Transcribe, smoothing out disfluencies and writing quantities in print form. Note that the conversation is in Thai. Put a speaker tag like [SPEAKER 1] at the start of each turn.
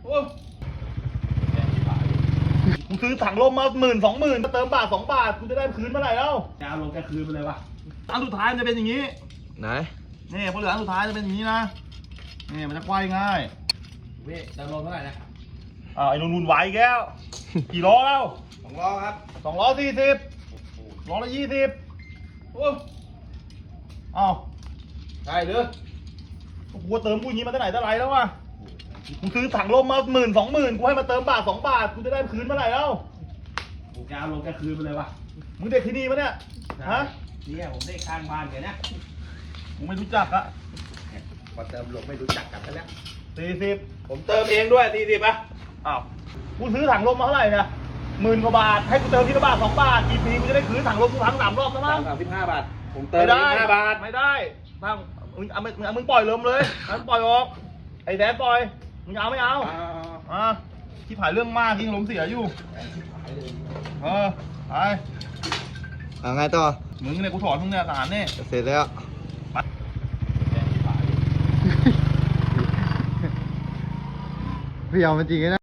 [SPEAKER 1] โอ้กูซื้อถังลมมา10,000 20,000มาเติมบาท2 บาทกูจะได้คืนเมื่อไหร่แล้วจะเอาลงแกคืนไปเลยวะอันสุดท้ายมันจะเป็นอย่างนี้
[SPEAKER 2] ไหน
[SPEAKER 1] นี่พอเหลืออันสุดท้ายจะเป็นอย่างนี้นะนี่มันจะควายง่าย
[SPEAKER 3] พี่เติมลมเท่าไหร่นะ
[SPEAKER 1] ไอ้นุ่นไหวแก้วกี่ล้อแล้ว
[SPEAKER 3] 2 ล้อครับ
[SPEAKER 1] 240ล้อละ20โอ้อ้าวได้เลยกูเติมกูอย่างนี้มาตั้งไหนตั้งไรแล้ววะกูซื้อถังลมมา10,000 20,000กูให้มาเติมบาท2 บาทกูจะได้คืนเมื่อไหร่แล้ว
[SPEAKER 3] ผมจะเอาลงแกคืนไปเลยวะ
[SPEAKER 1] มึงเด็กที่นี่ปะเนี่ยฮะ
[SPEAKER 3] เนี่ยผมได้ข้างบ้านแกเนี่ย
[SPEAKER 1] มึงไม่รู้จักอะ
[SPEAKER 3] พอเติมลมไม่รู้จักกันแล้ว
[SPEAKER 1] 40
[SPEAKER 3] ผมเติมเองด้วย40ป่ะ
[SPEAKER 1] อ้าวกูซื้อถังลมมาเท่าไหร่เนี่ย10,000 กว่าบาทให้กูเติมทีละบาท2 บาทกี่ปีกูจะได้คืนถังลมกูทั้ง3 รอบแล้วมั้ง
[SPEAKER 3] 35 บาทผมเติม
[SPEAKER 1] ไม่ได้
[SPEAKER 3] 5 บาท
[SPEAKER 1] ไม่ได้ถ้ามึงปล่อยลมเลยมึงปล่อยออกไอ้แดนปล่อยมึงเอาไม่เอาที่ผ่านเรื่องมากที่ลมเสียอยู่ไป
[SPEAKER 2] ไงต่อ
[SPEAKER 1] มึงเนี่ยกูถอนมึงเนี่ยทหารเนี่ย
[SPEAKER 2] เสร็จแล้วพี่เอามันจริงนะ